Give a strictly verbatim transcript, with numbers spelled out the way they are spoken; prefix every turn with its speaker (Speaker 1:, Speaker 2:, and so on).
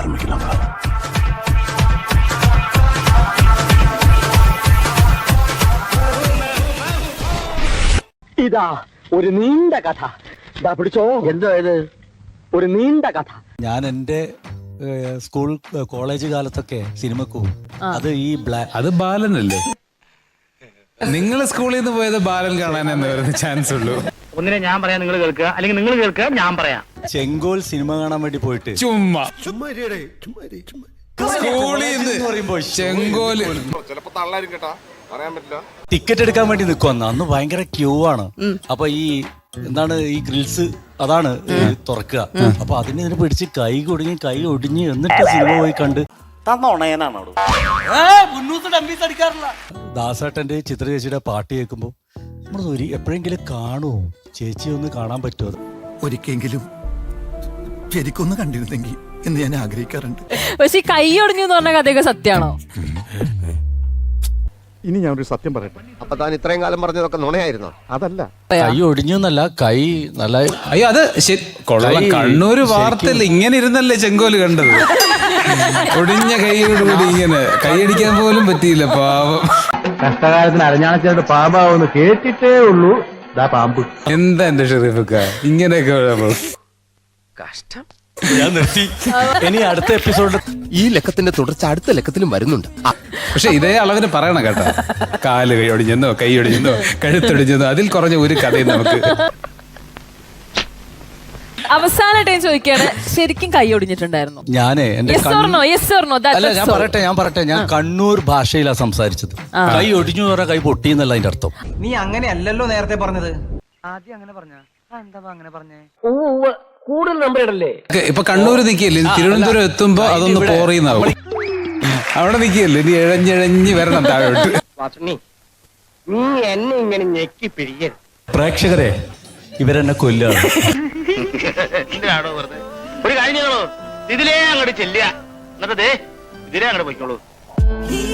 Speaker 1: ஆரம்பிக்கலாம்.
Speaker 2: ഇതാ ഒരു നീണ്ട കഥ. ഇതാ പിടിച്ചോ. എന്തോ ഇത് ഒരു നീണ്ട കഥ.
Speaker 3: ഞാൻ എൻ്റെ സ്കൂൾ കോളേജ് കാലത്തൊക്കെ സിനിമക്ക് പോകും. അത് ഈ ബ്ലാക്ക്
Speaker 4: അത് ബാലനല്ലേ? നിങ്ങൾ സ്കൂളിൽ നിന്ന് പോയത് ബാലൻ കാണാനെന്ന് വരുന്ന ചാൻസ് ഉള്ളൂ.
Speaker 2: ഒന്നിനെ ഞാൻ പറയാം, നിങ്ങൾ കേൾക്കുക, അല്ലെങ്കിൽ നിങ്ങൾ കേൾക്കുക, ഞാൻ പറയാം.
Speaker 3: ചെങ്കോൽ സിനിമ കാണാൻ വേണ്ടി പോയിട്ട്
Speaker 4: ചുമ്മാ സ്കൂളിൽ നിന്ന് പറയുമ്പോ ചെങ്കോല്
Speaker 3: ടിക്കറ്റ് എടുക്കാൻ വേണ്ടി നിൽക്കുവന്ന്. അന്ന് ഭയങ്കര ക്യൂ ആണ്. അപ്പൊ ഈ എന്താണ് ഈ ഗ്രിൽസ് അതാണ് തുറക്കുക. അപ്പൊ അതിന് ഇതിനെ പിടിച്ച് കൈ കുടുങ്ങി കൈ ഒടിഞ്ഞ് എന്നിട്ട് സിനിമ പോയി കണ്ട് ദാസേട്ടന്റെ ചിത്ര ചേച്ചിയുടെ പാട്ട് കേൾക്കുമ്പോ നമ്മൾ ഒരു എപ്പോഴെങ്കിലും കാണുമോ ചേച്ചി ഒന്ന് കാണാൻ പറ്റുമോ?
Speaker 5: ഒരിക്കെങ്കിലും ശരിക്കൊന്ന് കണ്ടിരുന്നെങ്കിൽ എന്ന് ഞാൻ ആഗ്രഹിക്കാറുണ്ട്.
Speaker 6: പക്ഷെ ഈ കൈ ഒടിഞ്ഞു എന്ന് പറഞ്ഞ കഥയൊക്കെ സത്യമാണോ?
Speaker 7: ഇനി ഞാനൊരു സത്യം പറയട്ടെ.
Speaker 8: അപ്പൊ താൻ ഇത്രയും കാലം പറഞ്ഞതൊക്കെ നുണയായിരുന്നോ?
Speaker 7: അതല്ല,
Speaker 3: കൈ ഒടിഞ്ഞു എന്നല്ല, കൈ നല്ല
Speaker 4: അയ്യോ അത് കൊള്ളാം. കണ്ണൂര് വാർത്തയിൽ ഇങ്ങനെ ഇരുന്നല്ലേ ചെങ്കോല് കണ്ടത്. ഒടിഞ്ഞ കൈയോടുകൂടി ഇങ്ങനെ കൈയടിക്കാൻ പോലും പറ്റിയില്ല. പാവം.
Speaker 2: കഷ്ടകാലത്തിന് അരഞ്ഞാണച്ചേട്ട് പാമ്പാവെന്ന് കേട്ടിട്ടേ ഉള്ളൂ. ദാ പാമ്പ്.
Speaker 4: എന്താ എന്റെ ഷെറീഫക്ക ഇങ്ങനെയൊക്കെ
Speaker 8: കഷ്ടം.
Speaker 3: ഞാൻ നിർത്തി. ഇനി അടുത്ത എപ്പിസോഡ്
Speaker 8: ഈ ലക്കത്തിന്റെ തുടർച്ച അടുത്ത ലക്കത്തിലും വരുന്നുണ്ട്.
Speaker 4: പക്ഷെ ഇതേ അളവിന് പറയണം കേട്ടോ. കാല് കൈ ഒടിഞ്ഞെന്നോ കൈ ഒടിഞ്ഞെന്നോ കഴുത്തൊടിഞ്ഞെന്നോ അതിൽ കുറഞ്ഞ ഒരു കഥയും നമുക്ക്.
Speaker 6: അവസാനമായിട്ട് ഞാൻ ചോദിക്കാണ്, ശരിക്കും കൈ ഒടിഞ്ഞിട്ടുണ്ടായിരുന്നു?
Speaker 3: ഞാനേ എന്റെ
Speaker 6: Yes or no? Yes or no? That-
Speaker 3: അല്ല
Speaker 6: that's
Speaker 3: ഞാൻ
Speaker 6: all.
Speaker 3: പറയട്ടെ ഞാൻ പറയട്ടെ ഞാൻ കണ്ണൂർ ഭാഷയിലാണ് സംസാരിച്ചത്. കൈ ഒടിഞ്ഞു എന്ന് പറഞ്ഞാൽ കൈ പൊട്ടി എന്നല്ല അതിന്റെ അർത്ഥം.
Speaker 9: നീ അങ്ങനെയല്ലല്ലോ നേരത്തെ പറഞ്ഞത്.
Speaker 2: ആദ്യം അങ്ങനെ പറഞ്ഞ എന്താ അങ്ങനെ പറഞ്ഞേ? കൂടുതൽ നമ്പർ ഇടല്ലേ?
Speaker 4: ഇപ്പൊ കണ്ണൂര് നിക്കല്ലേ, തിരുവനന്തപുരം എത്തുമ്പോ അതൊന്ന് പോറിയുന്നാവും. അവിടെ നിക്കല്ലേ, നീ ഇഴഞ്ഞിഴഞ്ഞ് വരണം താഴോട്ട്.
Speaker 2: നീ എന്നെ ഇങ്ങനെ ഞെക്കി പിടിക്കരുത്.
Speaker 3: പ്രേക്ഷകരെ ഇവരെന്നെ കൊല്ലാണ്.
Speaker 2: ഒരു കാര്യം ചെയ്തോളൂ, ഇതിലേ അങ്ങോട്ട് ചെല്ലുക, എന്നിട്ട് ഇതിലേ അങ്ങോട്ട് പോയിക്കോളൂ.